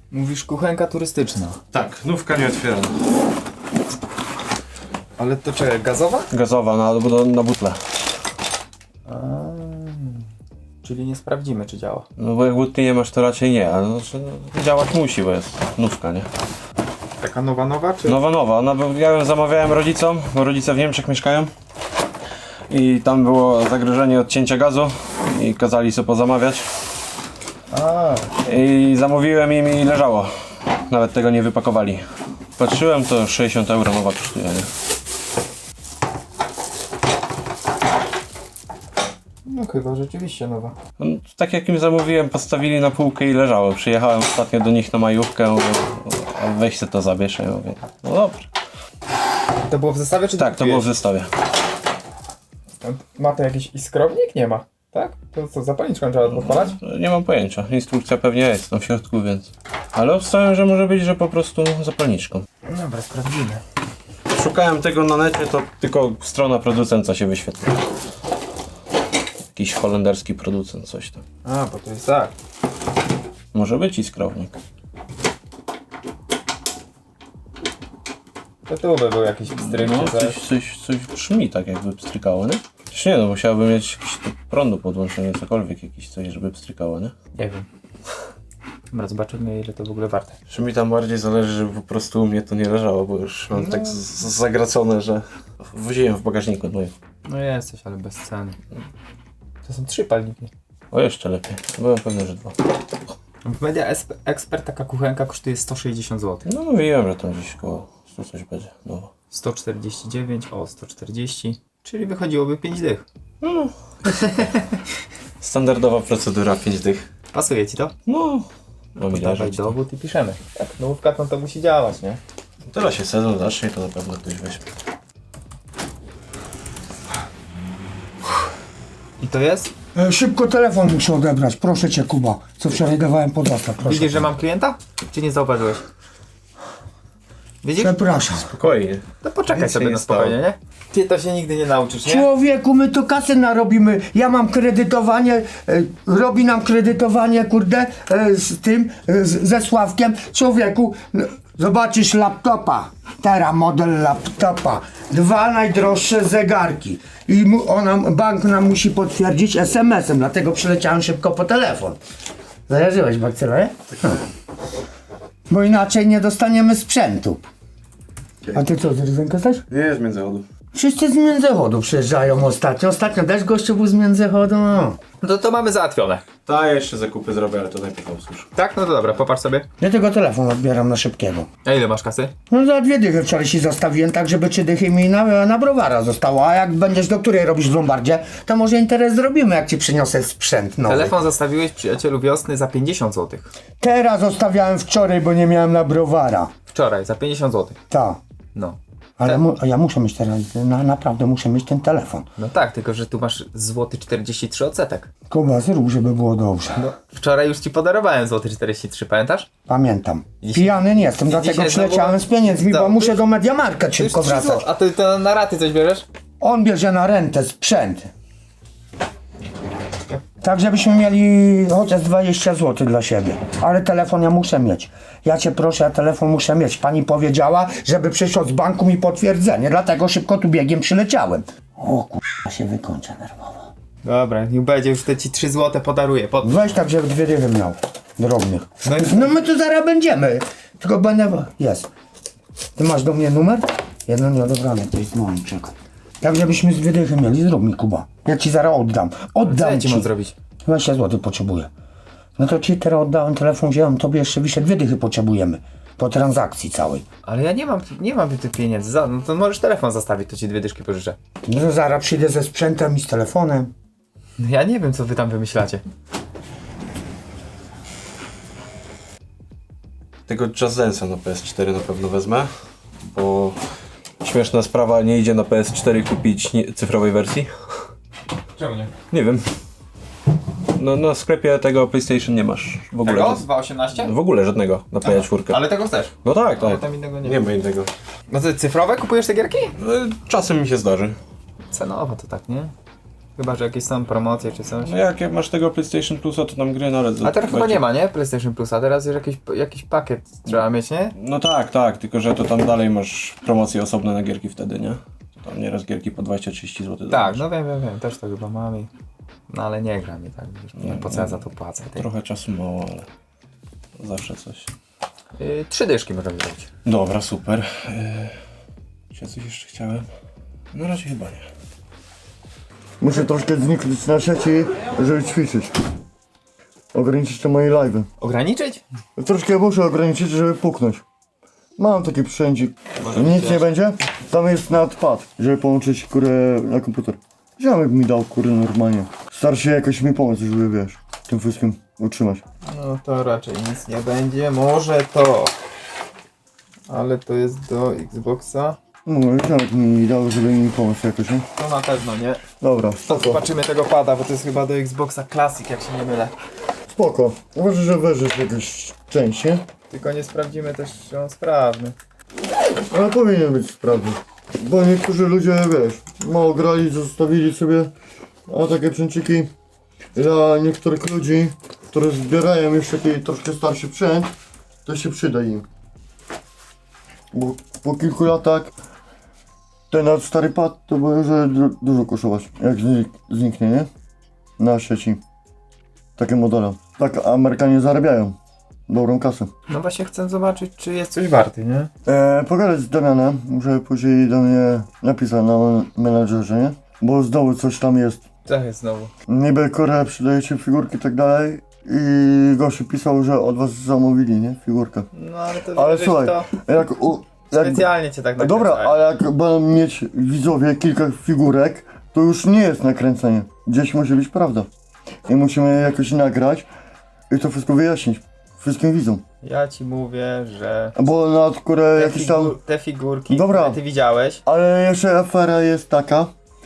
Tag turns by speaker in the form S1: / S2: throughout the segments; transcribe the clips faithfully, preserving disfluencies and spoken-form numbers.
S1: Mówisz kuchenka turystyczna.
S2: Tak, nówka nie otwierana.
S1: Ale to czekaj, gazowa?
S2: Gazowa na, na, na butle.
S1: A, czyli nie sprawdzimy, czy działa.
S2: No bo jak butli nie masz, to raczej nie, ale znaczy, no, działać musi, bo jest nówka, nie?
S1: Taka nowa, nowa, czy?
S2: Nowa, nowa. No, bo ja ją zamawiałem rodzicom, bo rodzice w Niemczech mieszkają. I tam było zagrożenie odcięcia gazu i kazali sobie pozamawiać.
S1: A,
S2: I zamówiłem im i leżało. Nawet tego nie wypakowali. Patrzyłem, to sześćdziesiąt euro nowa kosztuje, nie?
S1: no chyba rzeczywiście nowa.
S2: No, tak jak im zamówiłem, postawili na półkę i leżało. Przyjechałem ostatnio do nich na majówkę, mówię, a weź se to zabierz. Ja mówię, no dobrze.
S1: To było w zestawie, czy
S2: Tak, to było w
S1: kupiłeś?
S2: zestawie.
S1: Ma to jakiś iskrownik? Nie ma. Tak? To co, zapalniczką trzeba podpalać?
S2: Nie mam pojęcia. Instrukcja pewnie jest tam w środku, więc... Ale obstawiam, że może być, że po prostu zapalniczką.
S1: Dobra, sprawdzimy.
S2: Szukałem tego na necie, to tylko strona producenta się wyświetla. Jakiś holenderski producent, coś tam.
S1: A, bo to jest tak.
S2: Może być iskrownik.
S1: To tu by był jakiś pstryk,
S2: No,
S1: czy coś.
S2: coś, coś, coś brzmi tak, jakby pstrykało, nie? Przecież nie, no musiałbym mieć jakiś do prądu podłączenie, cokolwiek, jakiś coś, żeby pstrykało, nie?
S1: Nie wiem. Dobra, zobaczymy, ile to w ogóle warte.
S2: Czy mi tam bardziej zależy, żeby po prostu u mnie to nie leżało, bo już mam
S1: No.
S2: tak z- z- zagracone, że woziłem w bagażniku, no i...
S1: No jesteś, ale bez ceny. To są trzy palniki.
S2: O, jeszcze lepiej. Byłem pewny, że dwa.
S1: W Media Esp- Expert taka kuchenka kosztuje sto sześćdziesiąt złotych.
S2: No mówiłem, że tam gdzieś koło stu coś będzie. No.
S1: sto czterdzieści dziewięć, o sto czterdzieści. Czyli wychodziłoby pięć dych.
S2: No. Standardowa procedura, pięć dych.
S1: Pasuje ci to?
S2: No. No mi
S1: Dawaj
S2: leżeć.
S1: dowód i piszemy. Tak, nówka to, to musi działać, nie?
S2: Teraz się sezon zacznie, to na pewno ktoś weźmie.
S1: I to jest?
S3: E, Szybko telefon muszę odebrać, proszę cię Kuba, co wczoraj dawałem pod dostaw, proszę.
S1: Widzisz, że mam klienta? Czy nie zauważyłeś? Widzisz?
S3: Przepraszam.
S2: Spokojnie.
S1: To poczekaj
S2: Nic się
S1: sobie
S2: nie
S1: na spokojnie, nie? Ty to się nigdy nie nauczysz, nie?
S3: Człowieku, my to kasę narobimy, ja mam kredytowanie, e, robi nam kredytowanie, kurde, e, z tym, e, z, ze Sławkiem. Człowieku, no, zobaczysz laptopa, teraz model laptopa, dwa najdroższe zegarki i mu, ona, bank nam musi potwierdzić es em esem, dlatego przyleciałem szybko po telefon. Zajarzyłeś bakcyla, nie? Bo inaczej nie dostaniemy sprzętu. A ty co, z Rydzenka jesteś?
S2: Nie jest międzychodu.
S3: Wszyscy z Międzychodu przyjeżdżają ostatnio. Ostatnio też gościu był z Międzychodu. No.
S1: No to mamy załatwione.
S2: Ta jeszcze zakupy zrobię, ale to najpierw usłyszę.
S1: Tak? No to dobra, popatrz sobie.
S3: Ja tego telefon odbieram na szybkiego.
S1: A ile masz kasy?
S3: No za dwie dychy wczoraj ci zostawiłem, tak żeby trzy dychy mi na, na browara zostało. A jak będziesz do której robisz w Lombardzie, to może interes zrobimy, jak ci przyniosę sprzęt nowy.
S1: Telefon zostawiłeś przyjacielu wiosny za pięćdziesiąt złotych.
S3: Teraz zostawiałem wczoraj, bo nie miałem na browara.
S1: Wczoraj, za pięćdziesiąt złotych.
S3: Tak.
S1: No.
S3: Ale mu, a ja muszę mieć teraz, na, naprawdę muszę mieć ten telefon.
S1: No tak, tylko że tu masz złoty czterdzieści trzy odsetek.
S3: Kuba, zrób, żeby było dobrze.
S1: No. Wczoraj już ci podarowałem złoty czterdzieści trzy, pamiętasz?
S3: Pamiętam.
S1: Dzisiaj-
S3: Pijany nie jestem, dlatego
S1: dzisiaj
S3: przyleciałem
S1: znowu-
S3: z pieniędzmi,
S1: Co?
S3: bo muszę
S1: Już-
S3: do Mediamarka szybko
S1: trzy
S3: wracać.
S1: zł- A ty to na raty coś bierzesz?
S3: On bierze na rentę sprzęt. Tak, żebyśmy mieli chociaż dwadzieścia złotych dla siebie. Ale telefon ja muszę mieć. Ja cię proszę, ja telefon muszę mieć. Pani powiedziała, żeby przyszło z banku mi potwierdzenie, dlatego szybko tu biegiem przyleciałem. O kurwa, się wykończę nerwowo.
S1: Dobra, niech będzie, już te ci trzy złote podaruję. Pod...
S3: Weź tak, żeby dwie dychy miał. Drobnych.
S1: No i-
S3: No my tu zaraz będziemy. Tylko będę... Jest. Ty masz do mnie numer? Jedno nieodebrane, to jest moim, czekaj. Tak, żebyśmy z dwie dychy mieli, zrób mi Kuba. Ja ci zaraz oddam.
S1: Co
S3: Oddam
S1: ja ci
S3: ci.
S1: mam zrobić?
S3: dwadzieścia złotych potrzebuję. No to ci teraz oddałem telefon, wziąłem, tobie jeszcze wyszedł, dwie dychy potrzebujemy. Po transakcji całej.
S1: Ale ja nie mam, nie mam tych pieniędzy. Za, no to możesz telefon zostawić, to ci dwie dyszki pożyczę.
S3: No to zaraz przyjdę ze sprzętem i z telefonem.
S1: No ja nie wiem, co wy tam wymyślacie.
S2: Tego Just Dance'a na P S cztery na pewno wezmę, bo śmieszna sprawa, nie idzie na P S cztery kupić nie, cyfrowej wersji.
S1: Czemu nie?
S2: Nie wiem. No na sklepie tego PlayStation nie masz w ogóle.
S1: Tego?
S2: żad-
S1: Z dwa osiemnaście?
S2: W ogóle żadnego na P S cztery.
S1: Ale tego chcesz?
S2: No tak,
S1: Ale
S2: tak.
S1: tam innego nie
S2: Nie
S1: ma.
S2: ma innego.
S1: No to cyfrowe kupujesz te gierki?
S2: No, czasem mi się zdarzy.
S1: Cenowo to tak, nie? Chyba, że jakieś są promocje czy coś.
S2: No jak, jak masz tego PlayStation Plusa, to tam gry nawet...
S1: A teraz chyba nie ma, nie? PlayStation Plusa, teraz już jakiś, jakiś pakiet trzeba mieć, nie?
S2: No tak, tak, tylko że to tam dalej masz promocje osobne na gierki wtedy, nie? To tam nieraz gierki po dwadzieścia trzydzieści złotych.
S1: Tak, no wiem, wiem, wiem, też to chyba mam i... No ale nie gram i tak, wiesz,
S2: Nie,
S1: po co ja za to płacę? Ty?
S2: Trochę czasu mało, ale zawsze coś.
S1: Yy, trzy dyszki możemy zrobić.
S2: Dobra, super. Yy, czy ja coś jeszcze chciałem? Na razie chyba nie.
S3: Muszę troszkę zniknąć na sieci, żeby ćwiczyć. Ograniczyć te moje live'y.
S1: Ograniczyć?
S3: Troszkę muszę ograniczyć, żeby puknąć. Mam taki przędzik.
S1: Może
S3: Nic
S1: być
S3: nie
S1: też.
S3: będzie? Tam jest nadpad, żeby połączyć kurę na komputer. Ziomek mi dał kurę normalnie. Star się jakoś mi pomóc, żeby wiesz, tym wszystkim utrzymać.
S1: No to raczej nic nie będzie, może to. Ale to jest do Xboxa.
S3: No, ziomek mi dał, żeby mi pomóc jakoś, nie?
S1: To na pewno nie.
S3: Dobra,
S1: To
S3: spoko.
S1: zobaczymy tego pada, bo to jest chyba do Xboxa Classic, jak się nie mylę.
S3: Spoko. Uważaj, że weźesz jakąś część, nie?
S1: Tylko nie sprawdzimy też, czy on sprawny.
S3: Ale powinien być sprawny. Bo niektórzy ludzie, wiesz, mało grali, zostawili sobie, a takie przęciki dla niektórych ludzi, którzy zbierają już taki troszkę starszy sprzęt, to się przyda im. Bo po kilku latach ten nasz stary pad to może du dużo kosztować, jak znik zniknie, nie? Na sieci. Takie modele. Tak Amerykanie zarabiają dobrą kasę.
S1: No właśnie chcę zobaczyć, czy jest coś warty, nie?
S3: E, pogadać z Damianem, muszę później do mnie napisać na menadżerze, nie? Bo znowu coś tam jest.
S1: Co jest znowu?
S3: Niby Korea przydajecie figurki i tak dalej i gościu pisał, że od was zamówili, nie? Figurkę.
S1: No ale to
S3: Ale
S1: wiesz,
S3: słuchaj,
S1: to
S3: jak... U, jak
S1: specjalnie cię tak
S3: dobra,
S1: nakręcają.
S3: ale jak będą mieć widzowie kilka figurek, to już nie jest nakręcenie. Gdzieś musi być prawda. I musimy jakoś nagrać i to wszystko wyjaśnić wszystkim widzom.
S1: Ja ci mówię, że
S3: Bo na które
S1: te,
S3: jakieś tam...
S1: figu te figurki,
S3: Dobra.
S1: które ty widziałeś,
S3: Ale jeszcze afera jest taka,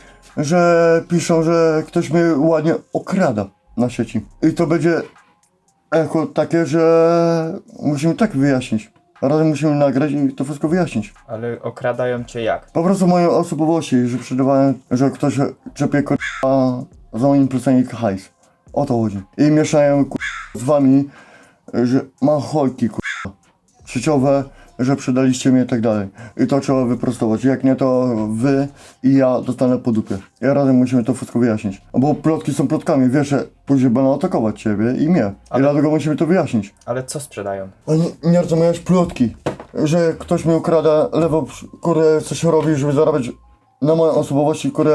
S3: że piszą, że ktoś mnie ładnie okrada na sieci. I to będzie echo takie, że musimy tak wyjaśnić. Razem musimy nagrać i to wszystko wyjaśnić.
S1: ale okradają cię jak?
S3: Po prostu moje osobowości, że sprzedawałem, że ktoś czepie k***a za moim pleceniem hajs. O to chodzi. I mieszają k***a z wami, że mam hojki k***a sieciowe, że przedaliście mnie i tak dalej. I to trzeba wyprostować. Jak nie, to wy i ja dostanę po dupie. I razem musimy to wszystko wyjaśnić. Bo plotki są plotkami, wiesz, że później będą atakować ciebie i mnie.
S1: Ale-
S3: I dlatego musimy to wyjaśnić.
S1: Ale co sprzedają?
S3: A nie, nie rozumiesz plotki, że ktoś mi ukrada lewo, które coś robi, żeby zarabiać na mojej osobowości, które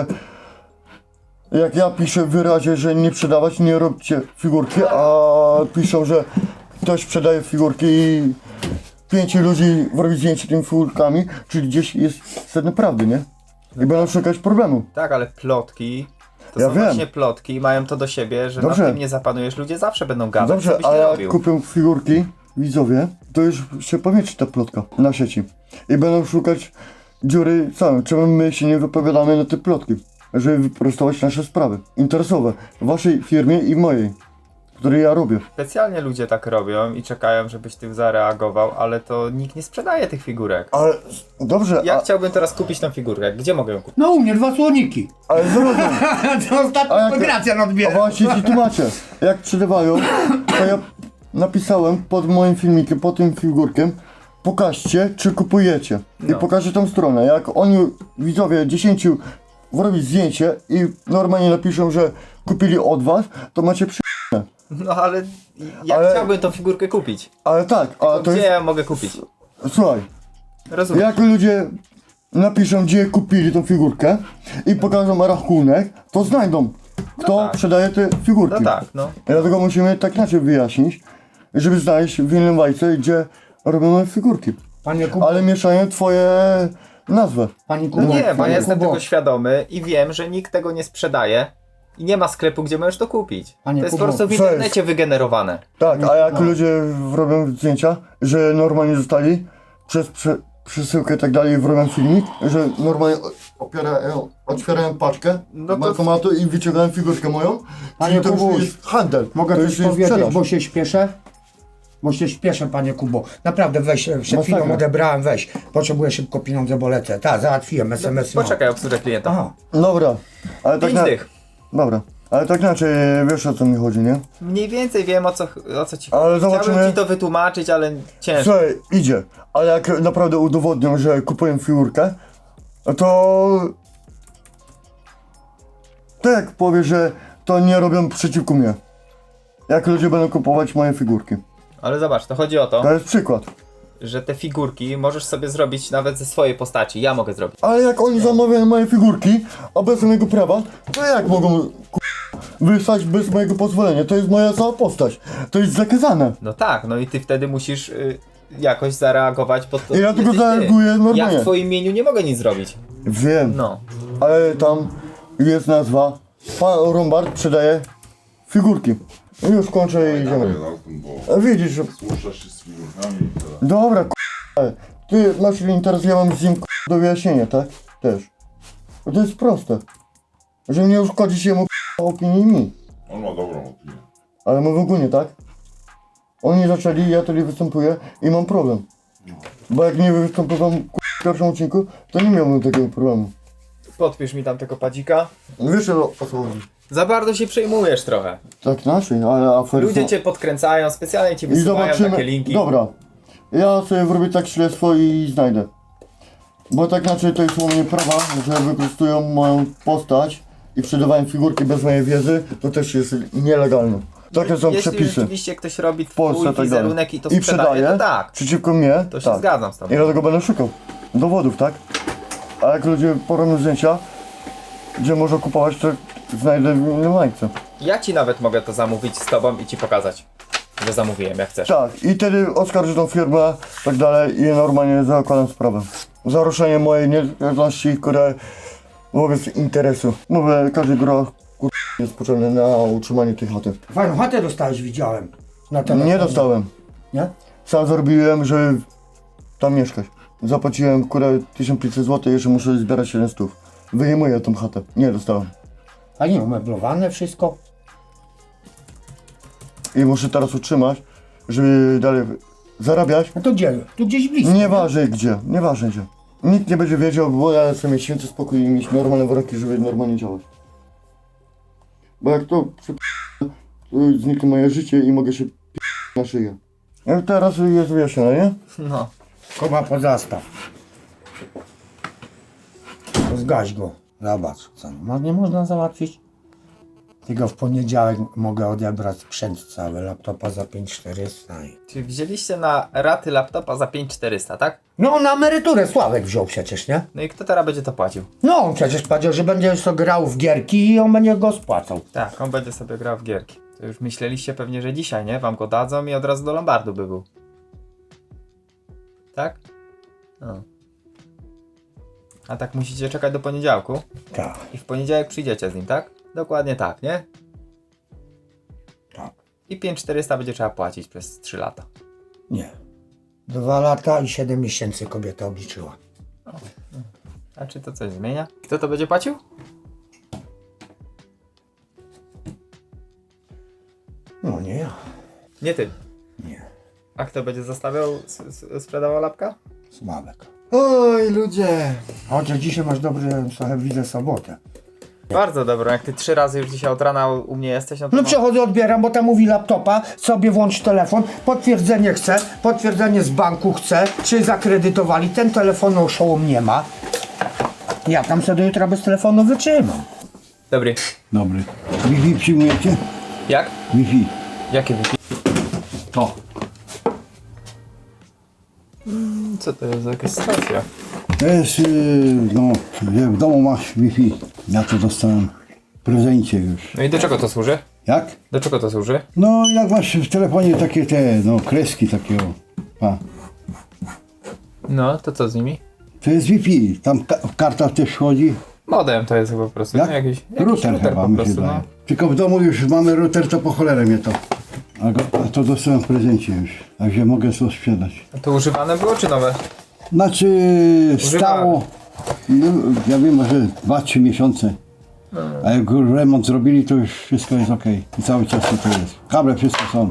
S3: jak ja piszę w wyrazie, że nie sprzedawać, nie róbcie figurki, a piszą, że ktoś sprzedaje figurki i pięciu ludzi robi zdjęcie tymi figurkami, czyli gdzieś jest sedno prawdy, nie? I będą szukać problemu.
S1: Tak, ale plotki, to
S3: Ja
S1: są
S3: wiem.
S1: właśnie plotki i mają to do siebie, że
S3: Dobrze.
S1: na tym nie zapanujesz, ludzie zawsze będą gadać, co
S3: Dobrze,
S1: byś
S3: a
S1: nie
S3: jak
S1: robił.
S3: kupią figurki widzowie, to już się pomieści ta plotka na sieci. I będą szukać dziury całe. Czemu my się nie wypowiadamy na te plotki? Żeby wyprostować nasze sprawy interesowe w waszej firmie i w mojej, której ja robię.
S1: Specjalnie ludzie tak robią i czekają, żebyś ty zareagował, ale to nikt nie sprzedaje tych figurek.
S3: Ale dobrze,
S1: Ja
S3: a,
S1: chciałbym teraz kupić tą figurkę, gdzie mogę ją kupić?
S3: No u mnie dwa słoniki. Ale zrozum.
S4: To ostatnio
S3: A jak-
S4: Gracjan
S3: A
S4: odbiera.
S3: właśnie ci tłumaczę. Jak przerywają, to ja napisałem pod moim filmikiem, pod tym figurkiem, pokażcie, czy kupujecie. I
S1: No.
S3: pokażę tą stronę. Jak oni, widzowie, dziesięciu robić zdjęcie i normalnie napiszą, że kupili od was, to macie przy...
S1: No ale ja
S3: Ale-
S1: chciałbym tą figurkę kupić.
S3: Ale tak, a to
S1: Gdzie
S3: jest...
S1: ja ją mogę kupić?
S3: Słuchaj,
S1: Rozumiem.
S3: jak ludzie napiszą, gdzie kupili tą figurkę i pokażą rachunek, to znajdą, kto
S1: tak.
S3: sprzedaje te figurki.
S1: No tak, no.
S3: Dlatego musimy tak inaczej wyjaśnić, żeby znaleźć w innym bajce, gdzie robimy figurki.
S4: Panie Kubo,
S3: Ale mieszają twoje nazwę.
S4: Panie
S1: No
S4: Kubo,
S1: nie, bo
S4: panie
S1: ja jestem
S4: Kubo,
S1: tego świadomy i wiem, że nikt tego nie sprzedaje i nie ma sklepu, gdzie możesz to kupić.
S4: Panie
S1: To jest
S4: Kubo,
S1: po prostu w
S3: co jest?
S1: internecie wygenerowane.
S3: Tak, a jak
S4: no.
S3: ludzie robią zdjęcia, że normalnie zostali przez prze, przesyłkę i tak dalej, robią filmik, że normalnie opierają, otwierają paczkę
S1: No
S3: do
S1: to-
S3: bankomatu i wyciągają figurkę moją,
S4: Panie
S3: czyli to już
S4: Kubuś,
S3: jest handel,
S4: mogę
S3: to
S4: coś
S3: już jest
S4: powiedzieć,
S3: sprzedaż.
S4: bo się śpieszę? Bo się śpieszę, panie Kubo. Naprawdę weź, e, przed chwilą
S3: Masakra.
S4: odebrałem, weź. Potrzebuję szybko pieniądze, bo lecę. Tak, załatwiłem es em es.
S1: Poczekaj, obsługę klienta.
S4: Aha,
S3: Dobra, ale tak
S1: Pięć
S3: na,
S1: dych.
S5: Dobra. Ale tak inaczej, wiesz o co mi chodzi, nie?
S1: Mniej więcej wiem o co, o co ci
S5: Ale
S1: chodzi.
S5: zobaczymy.
S1: Chciałbym ci to wytłumaczyć, ale ciężko.
S5: Słuchaj, idzie. Ale jak naprawdę udowodnią, że kupuję figurkę, to... To jak powie, że to nie robią przeciwko mnie. Jak ludzie będą kupować moje figurki.
S1: Ale zobacz, to chodzi o to,
S5: To jest przykład.
S1: że te figurki możesz sobie zrobić nawet ze swojej postaci. Ja mogę zrobić.
S5: Ale jak oni zamawiają moje figurki, a bez mojego prawa, to jak mogą ku... wysłać bez mojego pozwolenia? To jest moja cała postać. To jest zakazane.
S1: No tak, no i ty wtedy musisz y, jakoś zareagować pod to.
S5: I ja tylko
S1: jesteś ty.
S5: zareaguję normalnie.
S1: Ja w twoim imieniu nie mogę nic zrobić.
S5: Wiem,
S1: No.
S5: ale tam jest nazwa. Pan Rombard sprzedaje figurki. I już kończę i idziemy.
S6: Bo
S5: A widzisz, że...
S6: słuchasz się z figurkami i teraz.
S5: Dobra, k***a. Ty masz interes, ja mam z nim k***a, do wyjaśnienia, tak? Też. Bo to jest proste. Że nie uszkodzić jemu k***a, opinii i mi.
S6: On ma dobrą opinię.
S5: Ale my w ogóle, tak? Oni zaczęli, ja tutaj występuję i mam problem. Bo jak nie występowałem k***a, w pierwszym odcinku, to nie miałbym takiego problemu.
S1: Podpisz mi tam tego padzika.
S5: Wiesz o, o co chodzi?
S1: Za bardzo się przejmujesz trochę.
S5: Tak naszej, ale afery
S1: Ludzie
S5: są...
S1: cię podkręcają, specjalnie ci
S5: I
S1: wysyłają
S5: zobaczymy.
S1: takie linki.
S5: Dobra. Ja sobie wrobię tak śledztwo i znajdę. Bo tak inaczej to jest łamanie prawa, że wykorzystują moją postać i sprzedawają figurki bez mojej wiedzy, to też jest nielegalne. Takie są
S1: Jeśli
S5: przepisy
S1: rzeczywiście ktoś robi
S5: w Polsce,
S1: twój
S5: tak dalej.
S1: wizerunek i to
S5: I
S1: sprzedaje,
S5: sprzedaje
S1: to tak.
S5: przeciwko mnie,
S1: To się
S5: tak.
S1: zgadzam z tobą.
S5: I dlatego będę szukał dowodów, tak? A jak ludzie porobią zdjęcia, gdzie można kupować, to znajdę w innym lajce.
S1: Ja ci nawet mogę to zamówić z tobą i ci pokazać, że zamówiłem, jak chcesz.
S5: Tak, i wtedy oskarżę tą firmę, tak dalej i normalnie zakładam sprawę. Za ruszenie mojej niezależności, które wobec interesu. Mówię, każdy groch kur... jest potrzebny na utrzymanie tej chaty.
S3: Fajną chatę dostałeś, widziałem. Na telefonie.
S5: Nie dostałem.
S3: Nie?
S5: Sam zrobiłem, żeby tam mieszkać. Zapłaciłem kurę tysiąc pięćset złotych, jeszcze muszę zbierać siedem stów. Wyjmuję tą chatę. Nie dostałem.
S3: A nie, umeblowane wszystko.
S5: I muszę teraz utrzymać, żeby dalej zarabiać.
S3: No to gdzie? Tu gdzieś blisko.
S5: Nieważne gdzie, nieważne gdzie. Nikt nie będzie wiedział, bo ja chcę mieć święty spokój i mieć normalne warunki, żeby normalnie działać. Bo jak to przy... to zniknie moje życie i mogę się p... na szyję. Jak teraz jest wyjaśnione, nie?
S1: No.
S3: Kuba, pozastaw. Zgaś go. Zobacz, co no, nie można załatwić. Tylko w poniedziałek mogę odebrać sprzęt cały, laptopa za pięć tysięcy czterysta. i-
S1: Czyli wzięliście na raty laptopa za pięć tysięcy czterysta, tak?
S3: No na emeryturę Sławek wziął przecież, nie?
S1: No i kto teraz będzie to płacił?
S3: No on przecież powiedział, że będzie sobie grał w gierki i on będzie go spłacał.
S1: Tak, on będzie sobie grał w gierki. To już myśleliście pewnie, że dzisiaj, nie? Wam go dadzą i od razu do Lombardu by był. Tak? No. A tak musicie czekać do poniedziałku
S3: Tak,
S1: i w poniedziałek przyjdziecie z nim, tak? Dokładnie tak, nie?
S3: tak.
S1: I pięć tysięcy czterysta będzie trzeba płacić przez trzy lata.
S3: Nie. Dwa lata i siedem miesięcy kobieta obliczyła.
S1: A czy to coś zmienia? Kto to będzie płacił?
S3: No nie ja.
S1: Nie ty.
S3: Nie.
S1: A kto będzie zostawiał, s- s- sprzedawał lapka?
S3: Sławek.
S1: Oj, ludzie.
S3: Chociaż dzisiaj masz dobry, trochę widzę, sobotę.
S1: Bardzo dobro, jak ty trzy razy już dzisiaj od rana u u mnie jesteś, no to...
S3: No przechodzę, odbieram, bo tam mówi laptopa, sobie włącz telefon, potwierdzenie chcę, potwierdzenie z banku chcę, czy zakredytowali, ten telefon oszołom nie ma. Ja tam sobie do jutra bez telefonu wytrzymam.
S1: Dobry.
S7: Dobry. Wi-Fi przyjmujecie?
S1: Jak?
S7: Wi-Fi.
S1: Jakie wypi...
S7: To.
S1: Co to jest za jakaś stacja?
S7: To jest, yy, no, że w domu masz Wi-Fi. Ja to dostałem w prezencie już.
S1: No i do czego to służy?
S7: Jak?
S1: Do czego to służy?
S7: No, jak masz w telefonie takie te, no, kreski takiego. Pa.
S1: No, to co z nimi?
S7: To jest Wi-Fi. Tam ka karta też wchodzi.
S1: Modem to jest chyba po prostu,
S7: Jak?
S1: no, jakiś, jakiś
S7: Router,
S1: router
S7: chyba
S1: po
S7: mi się
S1: prostu,
S7: daje.
S1: no.
S7: Tylko w domu już mamy router, to po cholerę mnie to. A, go, a to dostałem w prezencie już. Także mogę to sprzedać.
S1: A to używane było czy nowe?
S7: Znaczy stało, no, ja wiem, może dwa trzy miesiące. A jak już remont zrobili, to już wszystko jest ok. I cały czas to jest. Kable wszystko są.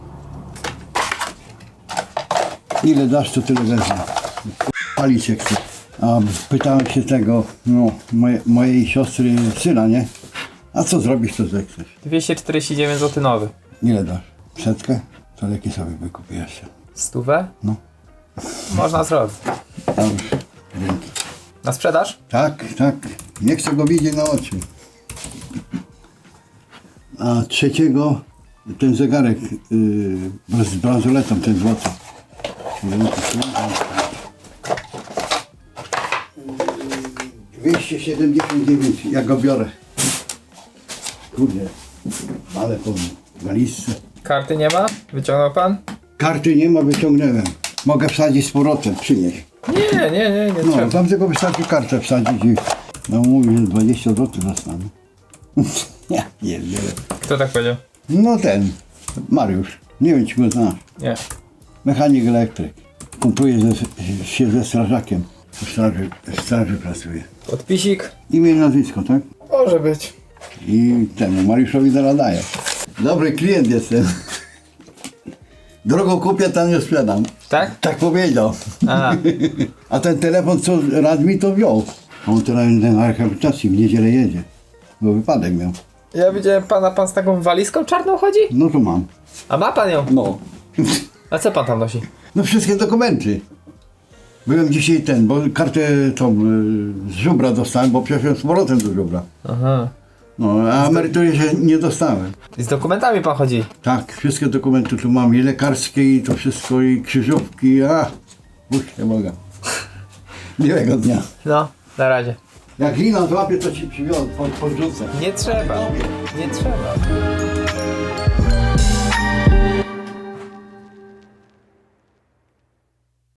S7: Ile dasz, to tyle wezmę. Palić jak chcę. A pytałem się tego, no, moje, mojej siostry syna, nie? A co zrobisz, to zechcesz.
S1: dwieście czterdzieści dziewięć złotych nowy.
S7: Ile dasz? Setkę? To leki sobie wykupię jeszcze.
S1: Stówę?
S7: No.
S1: Można zrobić.
S7: Dobrze, dzięki.
S1: Na sprzedaż?
S7: Tak, tak. Nie chcę go widzieć na oczy. A trzeciego ten zegarek yy, z bransoletą, ten złoty. dwieście siedemdziesiąt dziewięć, ja go biorę. Kurde, ale po walizce.
S1: Karty nie ma? Wyciągnął pan?
S7: Karty nie ma, wyciągnąłem. Mogę wsadzić z powrotem, przynieść.
S1: Nie, nie, nie, nie
S7: No,
S1: trzeba.
S7: tam tylko wystarczy kartę wsadzić i... No mówi, że dwadzieścia złotych dostanę. Nie, nie wiem.
S1: Kto tak powiedział?
S7: No ten, Mariusz. Nie wiem, czy go znasz.
S1: Nie.
S7: Mechanik elektryk. Kumpuje ze, się ze strażakiem. W straży, w straży pracuje.
S1: Podpisik?
S7: Imię i nazwisko, tak?
S1: Może być.
S7: I temu Mariuszowi zaraz daję. Dobry klient jestem. Drogo kupię, tanio sprzedam.
S1: Tak?
S7: Tak powiedział.
S1: A,
S7: A ten telefon, co rad mi to wziął. A on teraz na rehabilitacji w niedzielę jedzie. Bo wypadek miał.
S1: ja widziałem pana, pan z taką walizką czarną chodzi?
S7: No to mam.
S1: A ma pan ją?
S7: No.
S1: A co pan tam nosi?
S7: No wszystkie dokumenty. Byłem dzisiaj ten, bo kartę tą y, z żubra dostałem, bo przeszedłem z powrotem do żubra.
S1: Aha.
S7: No, a emerytury się nie dostałem.
S1: I z dokumentami pan chodzi?
S7: Tak, wszystkie dokumenty tu mam, i lekarskie, i to wszystko, i krzyżówki, a... Puśćcie Boga. Miłego dnia.
S1: No, na razie.
S7: Jak lina złapie, to ci przywiozę, pod, podrzucę.
S1: Nie trzeba. Nie trzeba.